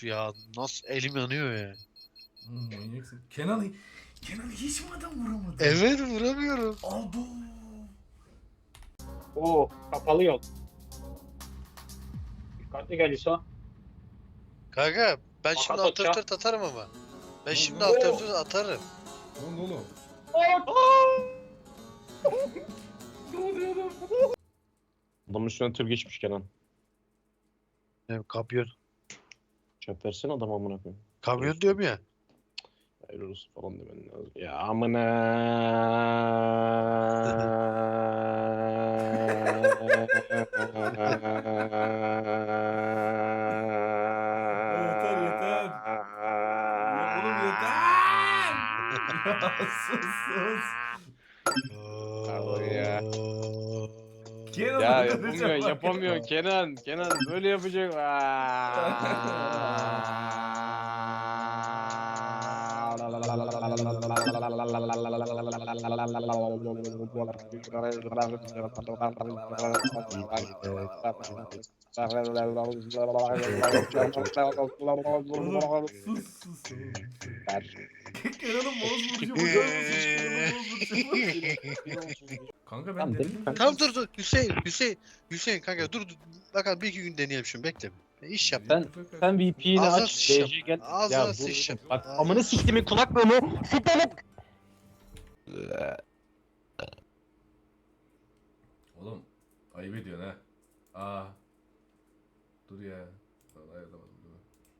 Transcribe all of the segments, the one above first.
ya nasıl elim yanıyor ya. Manyaksın. Kenan hiç mi adam vuramadı? Evet vuramıyorum. Abo. Oo, kapalı yol. Dikkatli gel İso. Kanka ben şimdi Makas atacağım. alt atarım ama. Ben Lan şimdi ne? alt atarım. Ne oldu oğlum? Ne oluyor oğlum? Adamın üstüne tır geçmiş Kenan. Kamyon. Çöp versene adam amına koyayım. Kamyon diyorum ya. Hayır olsun falan demen lazım. Ya amına. Yeter, yeter. Ya oğlum yeter. Ya sus. Pardon ya. Kenan Ya öldüreceğim bak yapamıyor Kenan. Kenan böyle yapacak. Oğlum sus. Kenan'ın mouse vuruşu bakar mısın? Kenan'ın mouse vuruşu bak. Kanka ben Tamam, denedim. Tamam dur Hüseyin kanka dur bakalım bir iki gün deneyelim şunu bekle. İş yap. Sen VP'ni Ağzına aç. sıçacağım. DC gel. Ağzına Ya bu- sıçacağım. Bak Ağzına amına siktimin kulaklığını. Siktimin. Oğlum ayıp ediyorsun ha. Aa. Dur ya. Vallahi ayarlamadım dur.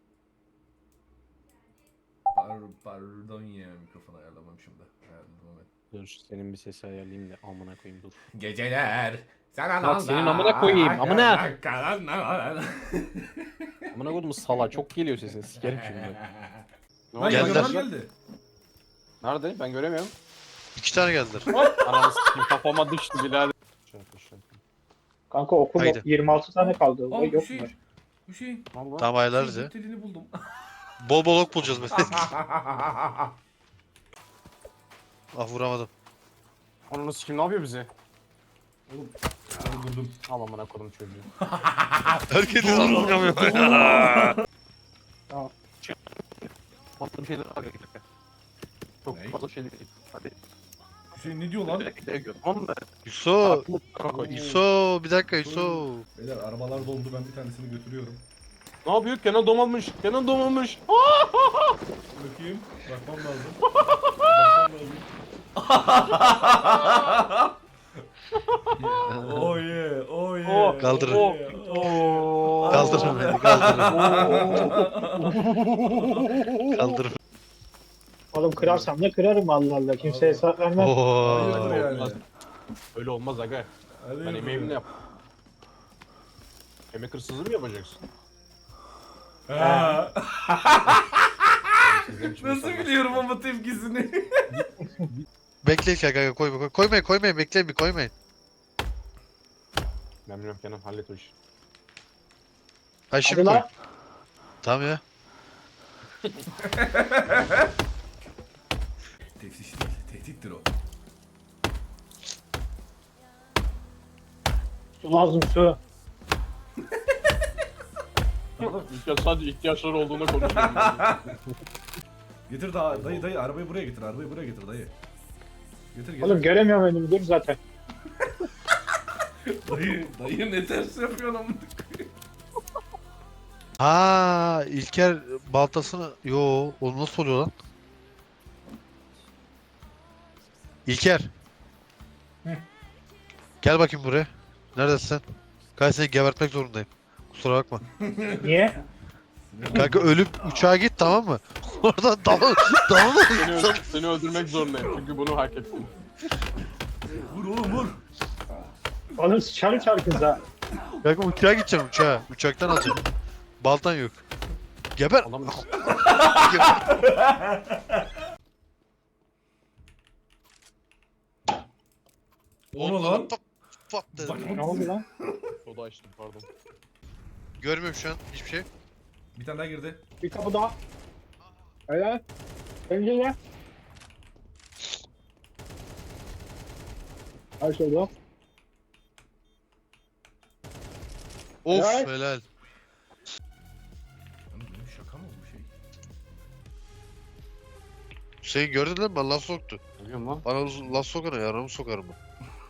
Pardon ya mikrofonu ayarlamamışım da. Ayarladım ben. Dur senin bir sesi ayarlayayım da amına koyayım dur. Geceler. Sen Bak senin amına koyayım, amına. Lan Amına koydum sala çok geliyor sesin sikerim şimdi. Ne Geldiler. oldu? Yamanlar geldi. Nerede? Ben göremiyorum. 2 tane geldiler. Ananı sikeyim kafama düştü birader. Kanka okul Haydi. 26 tane kaldı. Aa Vay, yok mu? Hüseyin. Tamam ayarlarız ya. Telini buldum. Bol bol ok bulacağız mesela. Ah vuramadım. Ananı sikeyim ne yapıyor bize? Oğlum. Ben buldum. Al amına koydum çocuğu. Herkes anlamıyor. Fazla bir şeyler abi. Çok Ne? fazla şeyler değil. Hadi. Hüseyin ne diyor lan? Tamam mı? Yusuf. Koy. Yusuf bir dakika Yusuf. Beyler arabalar doldu ben bir tanesini götürüyorum. Ne yapıyor? Kenan domalmış. Kenan domalmış. Bakayım. Bakmam lazım. Bakmam lazım. Oh yeah, oh yeah. Oh, kaldırın. Oh yeah, oh yeah. Kaldırın beni kaldırın. Kaldırın. Oğlum kırarsam ne kırarım Allah Allah. Kimseye hesap vermem. Hayırdır Oo. yani. Olmaz. Öyle olmaz aga. Hayırdır Ben emeğimle yani. yap. Emek hırsızlığı mı yapacaksın? Ha. Siz ne biçim Nasıl insanlarsınız? biliyorum ama tepkisini? Bekleyin kanka koymayın bekleyin bir koymayın. Ben bilmiyorum Kenan hallet o işi. Ha şimdi Hadi koy. lan. Tamam ya. Tefsiş değil, tehdittir o. Su lazım su. Sadece ihtiyaçları olduğunda konuşuyorum. Getir daha dayı arabayı buraya getir dayı. Getir. Oğlum göremiyorum önümü dur zaten. Dayı ne ters yapıyorsun amına. Ha İlker baltasını yo o nasıl oluyor lan? İlker. Hı. Gel bakayım buraya. Neredesin sen? Kanka seni gebertmek zorundayım. Kusura bakma. Niye? Kanka ölüp uçağa git tamam mı? Oradan dal Seni öldürmek zorundayım çünkü bunu hak ettim. Vur oğlum vur. Oğlum sıçarım çarkınıza. Kanka uçağa gideceğim uçağa. Uçaktan alacağım. Baltan yok. Geber. Adam O ne lan? Pat dedim. Ne oldu lan? soda açtım pardon. Görmüyorum şu an hiçbir şey. Bir tane daha girdi. Bir kapı daha. Öyle. Pencere. Her şey yok. Of Evet. helal. Lan benim şaka mı Hüseyin gördün lan bana laf soktu. Biliyorum lan. Bana laf sokana yaramı sokarım ben.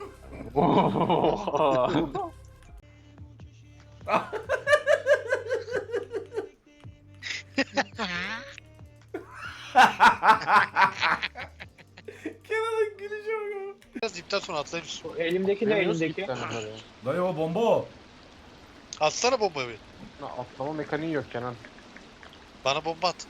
Kenan'ın gülüşe bak. Biraz ipten sonra atlayayım. Elimdeki ne elimdeki? Dayı o bomba o. Atsana bombayı. Atlama mekaniği yok Kenan. Bana bomba at.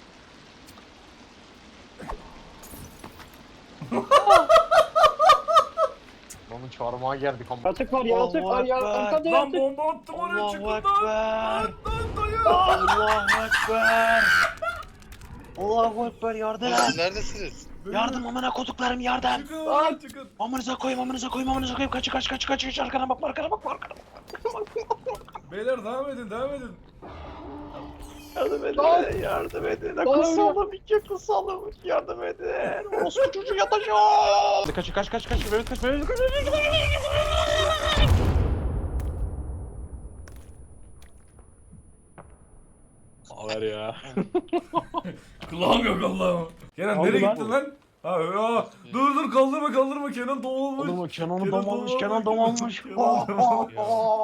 Onun çarmıha geldik ama. Yatık var yaratık var ya. Arkada Lan yatık. bomba attım oraya çıkın lan. Lan dayı. Allahu Ekber. Allahu Ekber yardım. Siz neredesiniz? Yardım amına koduklarım yardım. Çıkın lan çıkın. Amınıza koyayım amınıza koyayım amınıza koyayım. Kaç arkana bakma arkana bakma arkana bakma. Beyler devam edin devam edin. Yardım edin Lan! yardım edin. Lan! Kusalım iki kusalım yardım edin. Orospu çocuğu yatacak. Kaç. Mehmet kaç. Haber ya. Kulağım yok Allah'ım. Kenan Oldu nereye lan. gittin lan? Ha, ya. Dur kaldırma Kenan doğulmuş. Oğlum o Kenan'ı Kenan dam almış. doğulmuş. Kenan dam almış. Kenan doğulmuş.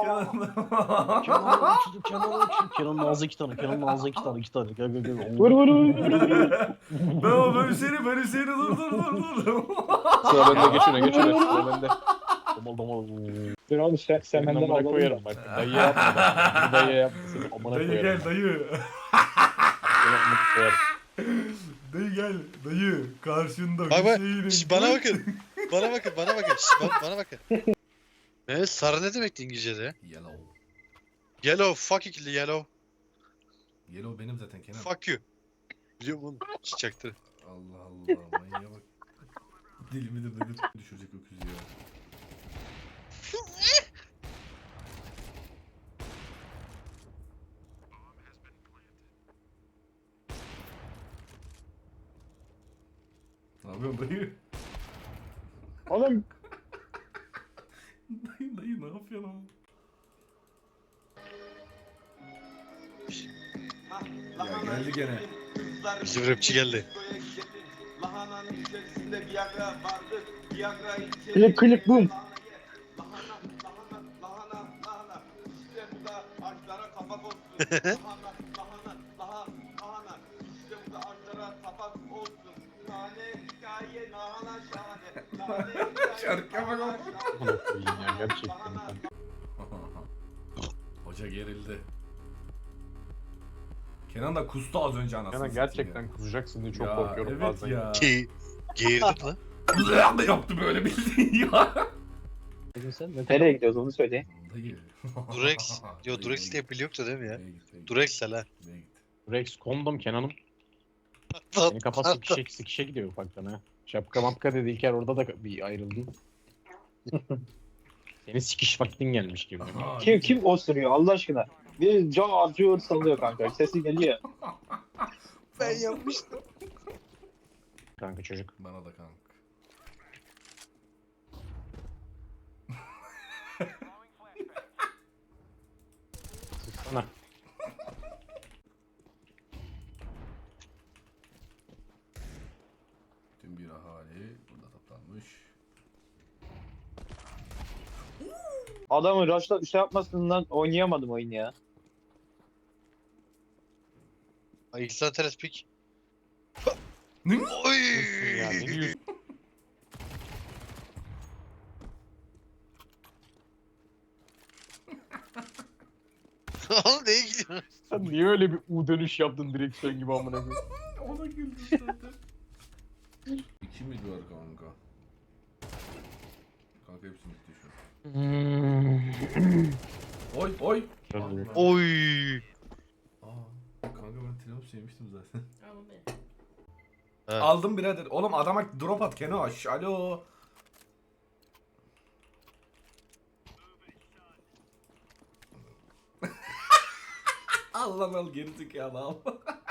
Kenan'ın ağzı iki tane. Kenan'ın ağzı iki tane. Gel. Vur. Ben ben Hüseyin'i dur. Sıra bende geçiyor. Sıra bende. Domal. Dur oğlum sen Senin benden amına alalım. koyarım bak. Dayı yapma bak. Dayı yapma. Senin amına Dayı koyarım. gel dayı. Senin amına koyarım. Dayı gel dayı karşında Bak bak. Hüseyin'in. Şş, bana bakın. Bana bakın. Şş, bana bakın. Evet sarı ne demekti İngilizce'de? Yellow. Yellow. Fuck ikili yellow. Yellow benim zaten Kenan. Fuck you. Biliyorum oğlum. Çiçektir. Allah manyağa bak. Deli midir nedir? Düşürecek öküz ya. Ne yapıyorsun dayı? Oğlum Dayı ne yapıyorsun ama? Ya geldi gene. Bizim rapçi geldi. Lahananın içerisinde Viagra vardı. Viagra Klip, boom. Lahana. İşte bu da ağaçlara kapak olsun. Lahana. İşte bu da ağaçlara kapak olsun. Tane hikaye lahana şahane. Şarkıya bak oğlum. Amına koyayım ya gerçekten. Hoca gerildi. Kenan da kustu az önce anasını Kenan satayım gerçekten kusacaksın diye ya. çok korkuyorum Evet bazen. ya. Geğirdim lan. Ne yaptı böyle bildiğin ya. nereye gidiyoruz onu söyle. Dayı. Durex. Yo Dayı, Durex diye pil yoktu değil mi ya? Dayı git. Durex'le lan. Dayı git. Rex kondom Kenan'ım. Senin kafa sıkışa gidiyor ufaktan ha. Şapka mapka dedi İlker orada da bir ayrıldın. Senin sikiş vaktin gelmiş gibi. Aha, Kim osuruyor Allah aşkına? Bir can atıyor sallıyor kanka. Sesi geliyor. Ben yapmıştım. Kanka çocuk. Bana da kanka. Sıksana. Tüm bir ahali burada toplanmış. Adamın rush'la şey yapmasından oynayamadım oyunu ya. Ay İhsan Teres pik. Ne? Oy. Ya ne diyorsun? Oğlum neye gidiyorsun? Sen niye öyle bir U dönüş yaptın direksiyon gibi amına koyayım? Ona güldüm zaten. 2 miydi var kanka? Kanka hepsini bitti şu an. Oy. Oy. Kanka ben Triumph sevmiştim zaten. He. Aldım birader. Oğlum adama drop at Kenoş. Alo. al lan al gerizekalı al.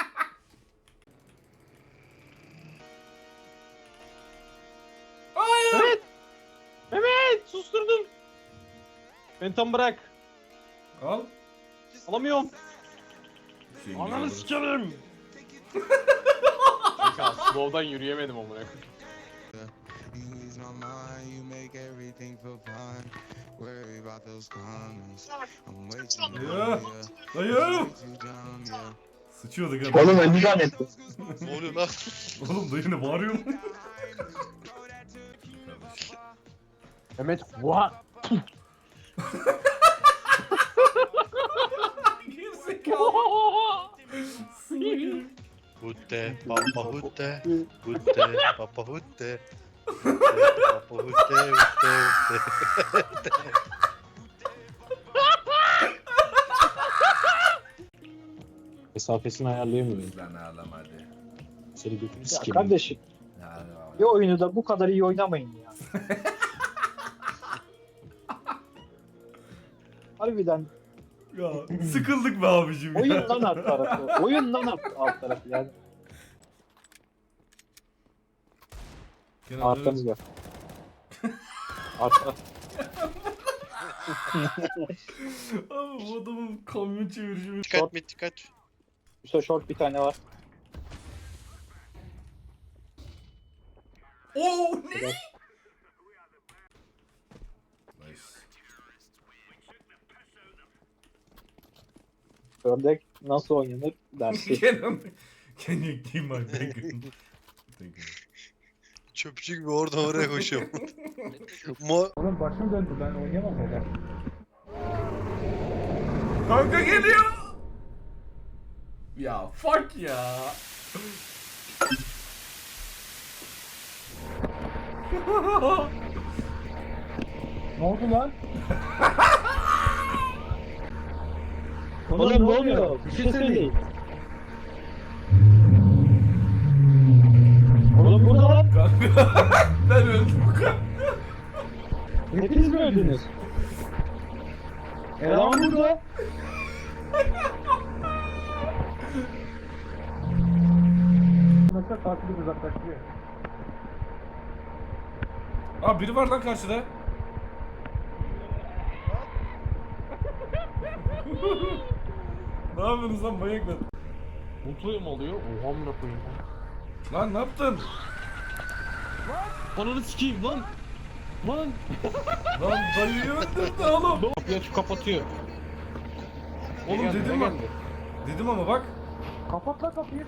Hayır. Mehmet susturdum. Beni tam bırak. Al. Alamıyorum. Hüseyin Ananı geldi. sikerim. Ya slow'dan yürüyemedim amına koyayım. You ease my mind, you make everything feel fine. Worry about those comments. I'm way too numb, Ya. yeah. Dayı. Way too dumb, yeah. Sıçıyorduk ha. Oğlum öldü zannettim. Ne oluyor lan? Oğlum dayı ne bağırıyor mu? Mehmet what? Hutte, papa hutte, hutte, papa hutte. Papa hutte, hutte. Mesafesini ayarlayamıyorum. Lan ağlama hadi. Seni götünü Ya sikeyim. kardeşim bir oyunu da bu kadar iyi oynamayın ya. Harbiden Ya sıkıldık be abicim ya. oyun lan alt tarafı. Oyun lan alt tarafı yani. Kenan Arkamız dönün. var. Arka. Abi bu adamın kamyon çevirişi. Dikkat mi dikkat. Üste short bir tane var. Oo ne? Nice. Ördek nasıl oynanır dersi. Kenan. Can you give my bacon? Thank you. Çöpçü gibi oradan oraya koşuyorum. Mo Oğlum başım döndü ben oynayamam öyle. Kanka geliyor. Ya fuck ya. Ne oldu lan? Oğlum ne oluyor? Bir şey söyleyin. Oğlum burada lan. Kanka ben öldüm. Hepiniz mi öldünüz? Eleman burada. Mesela tatili uzaklaştırıyor. Aa biri var lan karşıda. Ne yapıyorsunuz lan manyaklar? Mutlu mu oluyor? Oha amına koyayım. Lan ne yaptın? Ananı sikeyim lan. Lan. Lan dayıyı öldürdü oğlum. Kapıyı açıp kapatıyor. Oğlum Ne geldi, dedim ne ama. geldi? Dedim ama bak. Kapat lan kapıyı.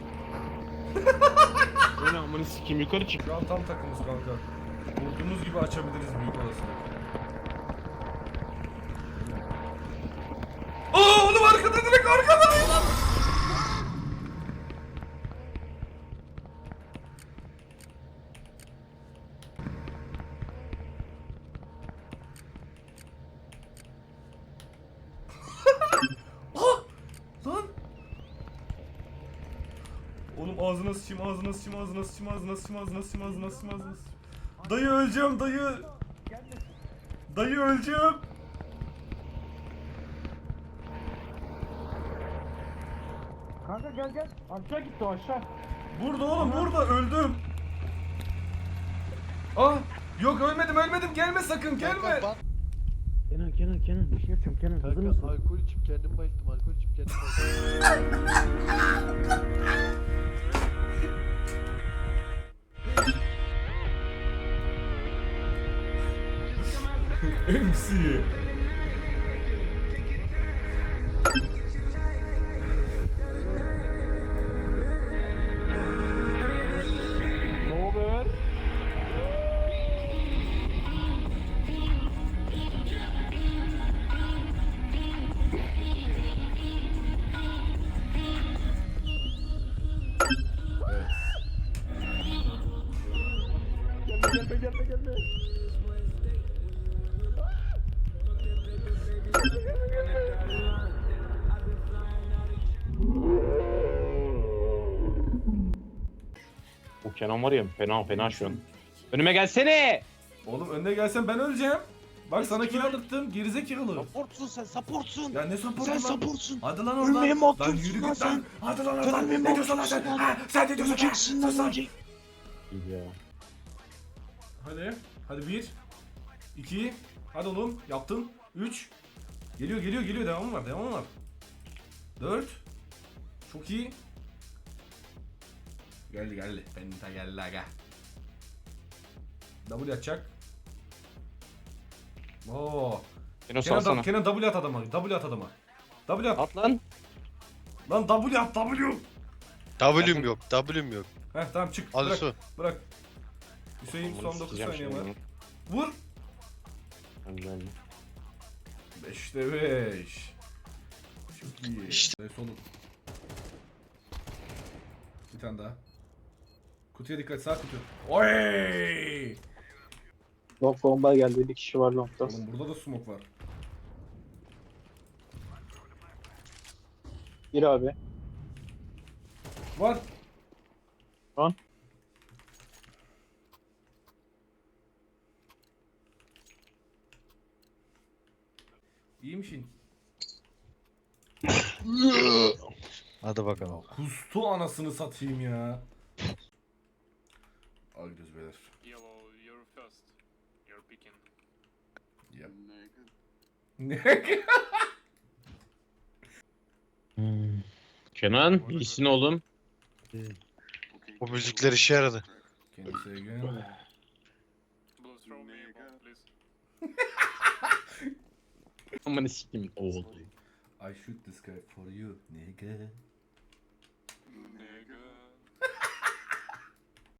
Öyle amına sikeyim yukarı çık. Şu an tam takımız kanka. Vurduğumuz gibi açabiliriz büyük olasılık. Aa oğlum arkada direkt arkada. Ah! Lan! Oğlum ağzına sıçayım, ağzına sıçayım, ağzına sıçayım, ağzına sıçayım, ağzına sıçayım, ağzına sıçayım, ağzına sıçayım. Dayı öleceğim, dayı. Dayı öleceğim. Kanka gel gel. Aşağı gitti o aşağı. Burada oğlum, burada öldüm. Ah! Yok ölmedim, gelme sakın, gelme. Kenan bir şey yapacağım Kenan hazır mısın? Alkol içip kendim bayılttım, alkol içip kendim bayılttım. MC. Ne haber? Gelme. Bu Kenan var ya fena şu an. Önüme gelsene. Oğlum önüne gelsen ben öleceğim. Bak sana kill aldırttım, gerizekalı. Supportsun sen supportsun. Ya ne supportu Sen lan? supportsun. Hadi lan oradan. Ölmeye mahkumsun Lan yürü lan git lan. sen. Hadi lan Sen oradan. ölmeye Ne diyorsun lan sen? mahkumsun lan. Ha, sen ne diyorsun lan? Öleceksin lan Sus lan. ölecek. İyi ya. Hadi 1 2 hadi oğlum yaptın 3 geliyor devamı var 4 çok iyi Geldi. Penta geldi aga. W atacak. Oo. Kenan salsana. Kenan W at adama. W at adama. W at. At lan. Lan W at W. W'm yok. W'm yok. Heh tamam çık. Al Bırak. su. Bırak. Hüseyin Bunu son 9 sikeceğim saniye şimdi var. bunu. Vur. Önden. 5'te 5. Çok iyi. İşte. Solun. Bir tane daha. Kutuya dikkat, sağ kutu. Oy! Long bomba geldi. Bir kişi var longda. Oğlum burada da smoke var. Gir abi. Var. Lan. İyi misin? Hadi bakalım. Kustu anasını satayım ya. Al gidiyoruz beyler. Yellow, you're first. You're picking. Yep. Ne? Kenan iyisin oğlum. Bu müzikler işe yaradı. Kendisi again. Blue, throw me a bomb, please. Aman sikim oğlum. I shoot this guy for you, nigga.